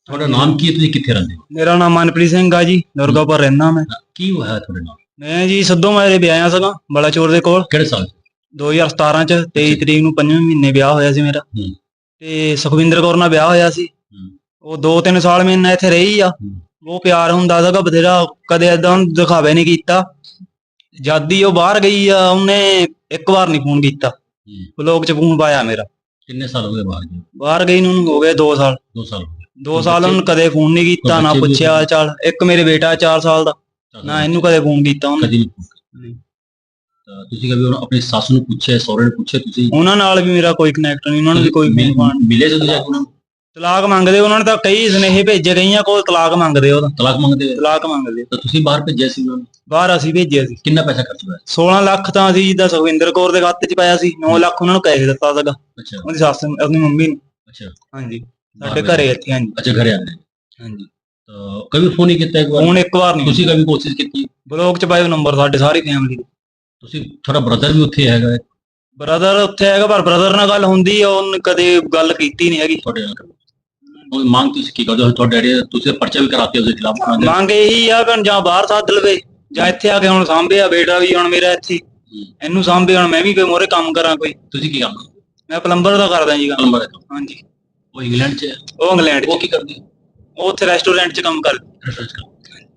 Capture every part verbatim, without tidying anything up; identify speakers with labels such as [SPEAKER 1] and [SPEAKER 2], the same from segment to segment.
[SPEAKER 1] ਤੁਹਾਡਾ ਨਾਮ ਕੀ ਹੈ, ਤੁਸੀਂ ਕਿੱਥੇ ਰਹਿੰਦੇ ਹੋ?
[SPEAKER 2] ਮੇਰਾ ਨਾਮ ਮਨਪ੍ਰੀਤ ਸਿੰਘ ਆ ਜੀ, ਦੁਰਗਾਪੁਰ ਰਹਿਣਾ ਮੈਂ।
[SPEAKER 1] ਕੀ ਹੋਇਆ ਤੁਹਾਡੇ ਨਾਲ?
[SPEAKER 2] ਮੈਂ ਜੀ ਸੱਦੋ ਮਾਰੇ ਵਿਆਹਿਆ ਸੀਗਾ ਬਲਾਚੌਰ ਦੇ ਕੋਲ
[SPEAKER 1] ਕਿਹੜੇ ਸਾਲ?
[SPEAKER 2] ਦੋ ਹਜ਼ਾਰ ਸਤਾਰਾਂ ਚ ਤੇਈ ਤਰੀਕ ਨੂੰ ਪੰਜਵੇਂ ਮਹੀਨੇ ਵਿਆਹ ਹੋਇਆ ਸੀ ਮੇਰਾ।
[SPEAKER 1] ਹੂੰ।
[SPEAKER 2] ਤੇ ਸੁਖਵਿੰਦਰ ਕੌਰ ਨਾਲ ਵਿਆਹ ਹੋਇਆ ਸੀ।
[SPEAKER 1] ਹੂੰ।
[SPEAKER 2] ਉਹ ਦੋ ਤਿੰਨ ਸਾਲ ਮੇਰੇ ਨਾਲ ਇੱਥੇ ਰਹੀ ਆ।
[SPEAKER 1] ਹੂੰ।
[SPEAKER 2] ਉਹ ਪਿਆਰ ਹੁੰਦਾ ਸੀਗਾ ਬਥੇਰਾ, ਕਦੇ ਏਦਾਂ ਦਿਖਾਵੇ ਨਹੀਂ ਕੀਤਾ। ਜਦ ਹੀ ਉਹ ਬਾਹਰ ਗਈ ਆ ਉਹਨੇ ਇੱਕ ਵਾਰ ਨਹੀਂ ਫੋਨ ਕੀਤਾ।
[SPEAKER 1] ਹੂੰ।
[SPEAKER 2] ਬਲੌਗ ਚ ਫੋਨ ਪਾਇਆ ਮੇਰਾ।
[SPEAKER 1] ਕਿੰਨੇ ਸਾਲ ਹੋ ਗਏ ਬਾਹਰ ਗਏ?
[SPEAKER 2] ਬਾਹਰ ਗਈ ਨੂੰ ਹੋ ਗਏ ਦੋ ਸਾਲ।
[SPEAKER 1] ਦੋ ਸਾਲ ਹੋ ਗਏ।
[SPEAKER 2] ਦੋ ਸਾਲ ਉਹਨੂੰ ਕਦੇ ਫੋਨ ਨਹੀਂ ਕੀਤਾ, ਨਾ
[SPEAKER 1] ਬੱਚੇ ਵੀ
[SPEAKER 2] ਪੁੱਛਿਆ ਹਾਲ ਚਾਲ। ਇੱਕ ਮੇਰੇ ਬੇਟਾ ਚਾਰ ਸਾਲ ਦਾ, ਨਾ ਇਹਨੂੰ ਕਦੇ ਫੋਨ ਕੀਤਾ ਉਹਨੇ।
[SPEAKER 1] ਕਦੀ ਨਹੀਂ ਪੁੱਛਿਆ। ਤਾਂ ਤੁਸੀਂ ਕਦੇ ਉਹਨਾਂ ਆਪਣੀ ਸੱਸ ਨੂੰ ਪੁੱਛਿਆ, ਸਹੁਰੇ ਨੂੰ ਪੁੱਛਿਆ ਤੁਸੀਂ?
[SPEAKER 2] ਉਹਨਾਂ ਨਾਲ ਵੀ ਮੇਰਾ ਕੋਈ ਕਨੈਕਟ ਨਹੀਂ, ਉਹਨਾਂ ਨੂੰ ਵੀ ਕੋਈ
[SPEAKER 1] ਮਿਲ-
[SPEAKER 2] ਫੋਨ ਫਾਨ।
[SPEAKER 1] ਮਿਲੇ ਸੀ ਤੁਸੀਂ ਜਾ ਕੇ ਉਹਨਾਂ ਨੂੰ?
[SPEAKER 2] ਤਲਾਕ ਮੰਗਦੇ ਉਹਨਾਂ ਨੇ ਤਾਂ ਕਈ ਸੁਨੇਹੇ ਭੇਜੇ, ਗਈਆਂ ਕੋਲ ਤਲਾਕ ਮੰਗਦੇ ਉਹਦਾ।
[SPEAKER 1] ਤਲਾਕ ਮੰਗਦੇ ਆ?
[SPEAKER 2] ਤਲਾਕ ਮੰਗਦੇ।
[SPEAKER 1] ਤਾਂ ਤੁਸੀਂ ਬਾਹਰ ਭੇਜਿਆ ਸੀ ਉਹਨਾਂ ਨੂੰ?
[SPEAKER 2] ਬਾਹਰ ਅਸੀਂ ਭੇਜਿਆ ਸੀ।
[SPEAKER 1] ਕਿੰਨਾ ਪੈਸਾ ਖਰਚ ਹੋਇਆ?
[SPEAKER 2] ਸੋਲਾਂ ਲੱਖ ਤਾਂ ਅਸੀਂ ਜਿੱਦਾਂ ਸੁਖਵਿੰਦਰ ਕੌਰ ਦੇ ਖਾਤੇ ਚ ਪਾਇਆ ਸੀ, ਨੌ ਲੱਖ ਉਹਨਾਂ ਨੂੰ ਕੈਸ਼ ਦਿੱਤਾ ਸੀਗਾ।
[SPEAKER 1] ਅੱਛਾ
[SPEAKER 2] ਉਹਦੀ ਸੱਸ ਨੂੰ, ਆਪਣੀ ਮੰਮੀ ਨੂੰ।
[SPEAKER 1] ਅੱਛਾ।
[SPEAKER 2] ਹਾਂਜੀ, ਸਾਡੇ ਘਰੇ ਇੱਥੇ। ਹਾਂਜੀ
[SPEAKER 1] ਅੱਛਾ, ਘਰੇ ਆਉਂਦੇ।
[SPEAKER 2] ਹਾਂਜੀ।
[SPEAKER 1] ਤਾਂ ਕभी ਫੋਨ ਨਹੀਂ ਕੀਤਾ ਇੱਕ ਵਾਰ?
[SPEAKER 2] ਫੋਨ ਇੱਕ ਵਾਰ ਨਹੀਂ।
[SPEAKER 1] ਤੁਸੀਂ ਕभी ਕੋਸ਼ਿਸ਼ ਕੀਤੀ?
[SPEAKER 2] ਬਲੌਗ ਚ ਪਾਏ ਨੰਬਰ ਸਾਡੇ ਸਾਰੀ ਫੈਮਿਲੀ ਦੇ।
[SPEAKER 1] ਤੁਸੀਂ, ਤੁਹਾਡਾ ਬ੍ਰਦਰ ਵੀ ਉੱਥੇ ਹੈਗਾ ਹੈ?
[SPEAKER 2] ਬ੍ਰਦਰ ਉੱਥੇ ਹੈਗਾ, ਪਰ ਬ੍ਰਦਰ ਨਾਲ ਗੱਲ ਹੁੰਦੀ ਆ, ਉਹਨੇ ਕਦੇ ਗੱਲ ਕੀਤੀ ਨਹੀਂ ਹੈਗੀ
[SPEAKER 1] ਤੁਹਾਡੇ ਨਾਲ। ਉਹ ਮੰਗ ਤੁਸੀਂ ਕੀ ਕਰਦੇ ਹੋ? ਤੁਹਾਡੇ ਡੈਡੀ ਤੁਸੀਂ ਪਰਚਾ ਵੀ ਕਰਾਤੇ ਉਸਦੇ ਖਿਲਾਫ?
[SPEAKER 2] ਮੰਗ ਇਹੀ ਆ ਕਿ ਜਾਂ ਬਾਹਰ ਸੱਦ ਲਵੇ ਜਾਂ ਇੱਥੇ ਆ ਕੇ ਹੁਣ ਸਾਂਭਿਆ। ਬੇਟਾ ਵੀ ਹੁਣ ਮੇਰਾ ਇੱਥੇ, ਇਹਨੂੰ ਸਾਂਭੇ। ਹੁਣ ਮੈਂ ਵੀ ਕੋਈ ਮੋਰੇ ਕੰਮ ਕਰਾਂ ਕੋਈ।
[SPEAKER 1] ਤੁਸੀਂ ਕੀ ਕੰਮ?
[SPEAKER 2] ਮੈਂ ਪਲੰਬਰ ਦਾ ਕਰਦਾ ਜੀ ਕੰਮ।
[SPEAKER 1] ਪਲੰਬਰ ਦਾ ਕੰਮ?
[SPEAKER 2] ਹਾਂਜੀ।
[SPEAKER 1] ਉਹ ਇੰਗਲੈਂਡ 'ਚ ਹੈ?
[SPEAKER 2] ਉਹ ਇੰਗਲੈਂਡ
[SPEAKER 1] ਉਹ
[SPEAKER 2] ਚ।
[SPEAKER 1] ਕੀ ਕਰਦੇ?
[SPEAKER 2] ਉਹ ਉੱਥੇ ਰੈਸਟੋਰੈਂਟ ਚ ਕੰਮ ਕਰਦਾ।
[SPEAKER 1] ਰਿਸਰਚ ਕੰਮ।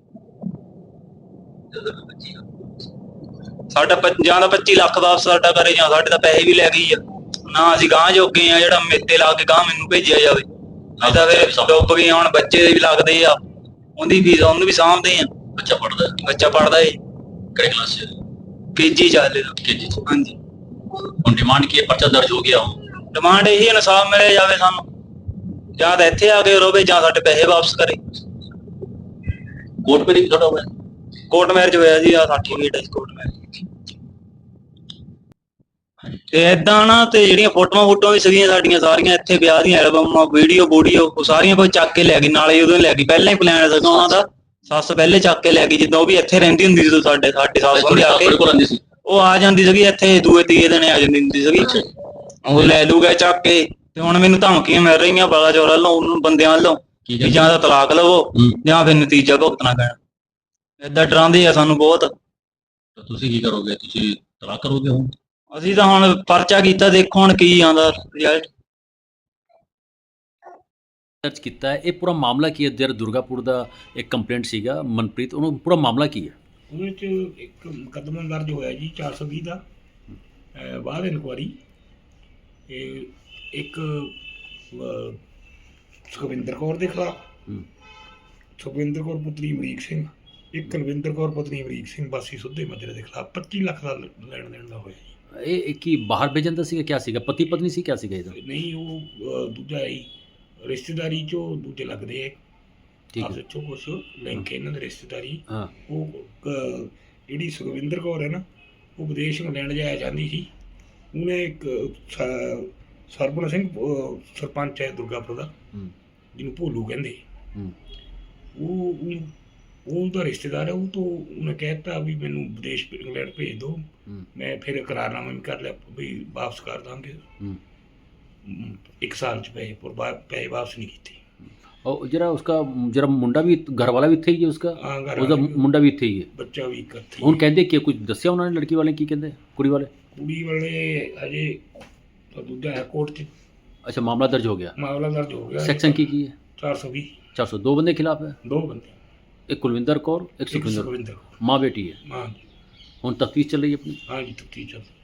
[SPEAKER 2] ਸਾਡਾ ਪ- ਜਾਂ ਤਾਂ ਪੱਚੀ ਲੱਖ ਵਾਪਸ ਸਾਡਾ ਕਰੇ, ਜਾਂ ਸਾਡੇ ਤਾਂ ਪੈਸੇ ਵੀ ਲੈ ਗਈ ਆ। ਨਾ ਅਸੀਂ ਗਾਂਹ ਜੋਗੇ ਆ ਜਿਹੜਾ ਮੇਤੇ ਲਾ ਕੇ ਗਾਂਹ ਮੈਨੂੰ ਭੇਜਿਆ ਜਾਵੇ। ਨਹੀਂ ਤਾਂ ਫਿਰ ਡੁੱਬ ਗਏ। ਹੁਣ ਬੱਚੇ ਦੇ ਵੀ ਲੱਗਦੇ ਆ, ਉਹਦੀ ਫੀਸ ਉਹਨੂੰ ਵੀ ਸਾਂਭਦੇ ਆ।
[SPEAKER 1] ਬੱਚਾ ਪੜਦਾ?
[SPEAKER 2] ਬੱਚਾ ਪੜਦਾ ਏ
[SPEAKER 1] ਕਿਹੜੇ ਕਲਾਸ 'ਚ?
[SPEAKER 2] ਕੇਜੀ ਚੱਲੇ ਦਾ।
[SPEAKER 1] ਕੇਜੀ 'ਚ।
[SPEAKER 2] ਹਾਂਜੀ।
[SPEAKER 1] ਹੁਣ ਡਿਮਾਂਡ ਕੀ ਹੈ? ਪਰਚਾ ਦਰਜ ਹੋ ਗਿਆ ਹੁਣ?
[SPEAKER 2] ਡਿਮਾਂਡ ਇਹੀ ਇਨਸਾਫ ਮਿਲੇ ਜਾਵੇ ਸਾਨੂੰ, ਜਾਂ ਤਾਂ ਇੱਥੇ ਆ ਕੇ ਰੋਵੇ ਜਾਂ ਸਾਡੇ ਪੈਸੇ ਵਾਪਸ ਕਰੇ।
[SPEAKER 1] ਕੋਰਟ ਮੈਰਿਜ ਤੁਹਾਡਾ ਹੋਇਆ?
[SPEAKER 2] ਕੋਰਟ ਮੈਰਿਜ ਹੋਇਆ ਜੀ, ਆ ਸਰਟੀਫਿਕੇਟ ਹੈ ਕੋਰਟ ਮੈਰਿਜ। ਤੇ ਏਦਾਂ ਨਾ, ਤੇ ਜਿਹੜੀਆਂ ਫੋਟੋਆਂ ਫੋਟੋਆਂ ਵੀ ਸੀਗੀਆਂ ਸਾਡੀਆਂ ਸਾਰੀਆਂ ਇੱਥੇ, ਵਿਆਹ ਦੀਆਂ ਐਲਬਮਾਂ, ਵੀਡੀਓ ਵੂਡੀਓ, ਉਹ ਸਾਰੀਆਂ ਕੋਈ ਚੱਕ ਕੇ ਲੈ ਗਈ। ਨਾਲੇ ਉਦੋਂ ਲੈ ਗਈ, ਪਹਿਲਾਂ ਹੀ ਪਲਾਨ ਸੀਗਾ ਉਹਨਾਂ ਦਾ। ਸੱਸ ਪਹਿਲੇ ਚੱਕ ਕੇ ਲੈ ਗਈ, ਜਿੱਦਾਂ ਉਹ ਵੀ ਇੱਥੇ ਰਹਿੰਦੀ ਹੁੰਦੀ ਸੀ। ਸਾਡੇ ਸਾਡੇ ਸੱਸ ਹੁੰਦੀ ਆ ਕੇ
[SPEAKER 1] ਕੋਲ ਆਉਂਦੀ ਸੀ?
[SPEAKER 2] ਉਹ ਆ ਜਾਂਦੀ ਸੀਗੀ ਇੱਥੇ, ਦੂਏ ਤੀਏ ਦਿਨ ਆ ਜਾਂਦੀ ਹੁੰਦੀ ਸੀਗੀ। ਉਹ ਲੈ ਲੂਗਾ ਚੱਕ ਕੇ। ਤੇ ਹੁਣ ਮੈਨੂੰ ਧਮਕੀਆਂ ਮਿਲ ਰਹੀਆਂ ਬਲਾਚੌਰ ਵੱਲੋਂ, ਉਹਨੂੰ ਬੰਦਿਆਂ ਵੱਲੋਂ, ਕਿ ਜਾਂ ਤਾਂ ਤਲਾਕ ਲਵੋ ਜਾਂ ਫਿਰ ਨਤੀਜਾ ਭੁਗਤਣਾ ਪੈਣਾ। ਏਦਾਂ ਡਰਾਉਂਦੇ ਆ ਸਾਨੂੰ ਬਹੁਤ।
[SPEAKER 1] ਤਾਂ ਤੁਸੀਂ ਕੀ ਕਰੋਗੇ? ਤੁਸੀਂ ਤਲਾਕ ਕਰੋਗੇ ਹੁਣ?
[SPEAKER 2] ਅਸੀਂ ਤਾਂ ਹੁਣ ਪਰਚਾ ਕੀਤਾ, ਦੇਖੋ ਹੁਣ ਕੀ ਆਉਂਦਾ ਰਿਜ਼ਲਟ।
[SPEAKER 3] ਦਰਜ ਕੀਤਾ ਹੈ। ਇਹ ਪੂਰਾ ਮਾਮਲਾ ਕੀ ਹੈ? ਜਿਹੜਾ ਦੁਰਗਾਪੁਰ ਦਾ ਇੱਕ ਕੰਪਲੇਂਟ ਸੀਗਾ ਮਨਪ੍ਰੀਤ, ਉਹਨੂੰ ਪੂਰਾ ਮਾਮਲਾ ਕੀ ਹੈ?
[SPEAKER 4] ਉਹਦੇ 'ਚ ਇੱਕ ਮੁਕੱਦਮਾ ਦਰਜ ਹੋਇਆ ਜੀ ਚਾਰ ਸੌ ਵੀਹ ਦਾ, ਅਹ ਬਾਅਦ ਇਨਕੁਆਰੀ। ਇਹ ਇੱਕ ਅਹ, ਸੁਖਵਿੰਦਰ ਕੌਰ ਦੇ ਖਿਲਾਫ,
[SPEAKER 3] ਹੂੰ।
[SPEAKER 4] ਸੁਖਵਿੰਦਰ ਕੌਰ ਪੁੱਤਰੀ ਅਮਰੀਕ ਸਿੰਘ, ਇੱਕ ਕੁਲਵਿੰਦਰ ਕੌਰ ਪਤਨੀ ਅਮਰੀਕ ਸਿੰਘ ਵਾਸੀ ਸੁੱਧੇ ਮੱਜਰੇ ਦੇ ਖਿਲਾਫ ਪੱਚੀ ਲੱਖ ਦਾ ਲੈਣ ਦੇਣ ਦਾ ਹੋਇਆ ਜੀ।
[SPEAKER 3] ਇਹ ਇਹ ਕੀ ਬਾਹਰ ਭੇਜਣ ਦਾ ਸੀਗਾ? ਕਿਆ ਸੀਗਾ? ਪਤੀ ਪਤਨੀ ਸੀ? ਕਿਆ ਸੀਗਾ ਇਹਦਾ?
[SPEAKER 4] ਨਹੀਂ, ਉਹ ਅਹ, ਦੂਜਾ ਹੈ ਜੀ, ਰਿਸ਼ਤੇਦਾਰੀ 'ਚੋਂ ਦੂਜੇ ਲੱਗਦੇ ਆ
[SPEAKER 3] ਠੀਕ
[SPEAKER 4] ਆਪਸ
[SPEAKER 3] ਹੈ।
[SPEAKER 4] 'ਚੋਂ ਕੁਛ ਲਿੰਕ ਇਹਨਾਂ ਦੇ ਰਿਸ਼ਤੇਦਾਰੀ।
[SPEAKER 3] ਹਾਂ।
[SPEAKER 4] ਉਹ ਅਹ, ਜਿਹੜੀ ਸੁਖਵਿੰਦਰ ਕੌਰ ਹੈ ਨਾ, ਉਹ ਵਿਦੇਸ਼ ਇੰਗਲੈਂਡ ਜਾਇਆ ਜਾਂਦੀ ਸੀ। ਉਹਨੇ ਇੱਕ ਸ- ਸਰਪਣ ਸਿੰਘ ਅਹ, ਸਰਪੰਚ ਹੈ ਦੁਰਗਾਪੁਰ ਦਾ,
[SPEAKER 3] ਹੂੰ।
[SPEAKER 4] ਜਿਹਨੂੰ ਭੋਲੂ ਕਹਿੰਦੇ।
[SPEAKER 3] ਹੂੰ।
[SPEAKER 4] ਉਹ ਉਹ- ਉਹ ਉਹਦਾ ਰਿਸ਼ਤੇਦਾਰ ਹੈ। ਉਹ ਤੋਂ ਉਹਨੇ ਕਹਿ ਦਿੱਤਾ ਵੀ ਮੈਨੂੰ ਵਿਦੇਸ਼ ਇੰਗਲੈਂਡ ਭੇਜ ਦਿਓ।
[SPEAKER 3] ਹੂੰ।
[SPEAKER 4] ਮੈਂ ਫਿਰ ਇਕਰਾਰਨਾਮਾ ਵੀ ਕਰ ਲਿਆ ਵੀ ਵਾਪਸ ਕਰ ਦਾਂਗੇ।
[SPEAKER 3] ਹੂੰ।
[SPEAKER 4] ਅਮ, ਇੱਕ ਸਾਲ 'ਚ ਪੈਸੇ ਪਰ ਬਾ- ਪੈਸੇ ਵਾਪਸ ਨਹੀਂ ਕੀਤੇ।
[SPEAKER 3] और जरा उसका जरा मुंडा भी घर वाला भी थे ही है उसका?
[SPEAKER 4] ਹਾਂ, ਘਰ
[SPEAKER 3] ਉਹਦਾ
[SPEAKER 4] ਵਾਲੇ ਵੀ,
[SPEAKER 3] ਮੁੰਡਾ ਵੀ ਇੱਥੇ ਹੀ ਹੈ।
[SPEAKER 4] ਬੱਚਾ ਵੀ ਇੱਕ ਇੱਥੇ ਹੀ
[SPEAKER 3] ਹੁਣ
[SPEAKER 4] ਹੈ।
[SPEAKER 3] ਕਹਿੰਦੇ ਕਿ ਕੁਝ ਦੱਸਿਆ ਉਹਨਾਂ ਨੇ? ਲੜਕੀ ਵਾਲੇ ਕੀ ਕਹਿੰਦੇ? ਕੁੜੀ ਵਾਲੇ?
[SPEAKER 4] ਕੁੜੀ ਵਾਲੇ ਅਜੇ ਤਾਂ ਦੂਜਾ ਹੈ ਕੋਰਟ 'ਚ
[SPEAKER 3] अच्छा मामला दर्ज हो गया।
[SPEAKER 4] ਮਾਮਲਾ ਦਰਜ ਹੋ ਗਿਆ।
[SPEAKER 3] सेक्शन की की है?
[SPEAKER 4] ਚਾਰ ਸੌ ਵੀਹ
[SPEAKER 3] चार सौ दो बंदे खिलाफ है?
[SPEAKER 4] ਦੋ ਬੰਦੇ,
[SPEAKER 3] एक कुलविंदर कौर एक
[SPEAKER 4] ਇੱਕ
[SPEAKER 3] सुखविंदर।
[SPEAKER 4] ਸੁਖਵਿੰਦਰ ਕੌਰ।
[SPEAKER 3] माँ बेटी है।
[SPEAKER 4] ਹਾਂ ਜੀ,
[SPEAKER 3] ਹੁਣ तफ्तीश चल रही है अपनी।
[SPEAKER 4] ਹਾਂ ਜੀ, ਤਫਤੀਸ਼ ਚੱਲ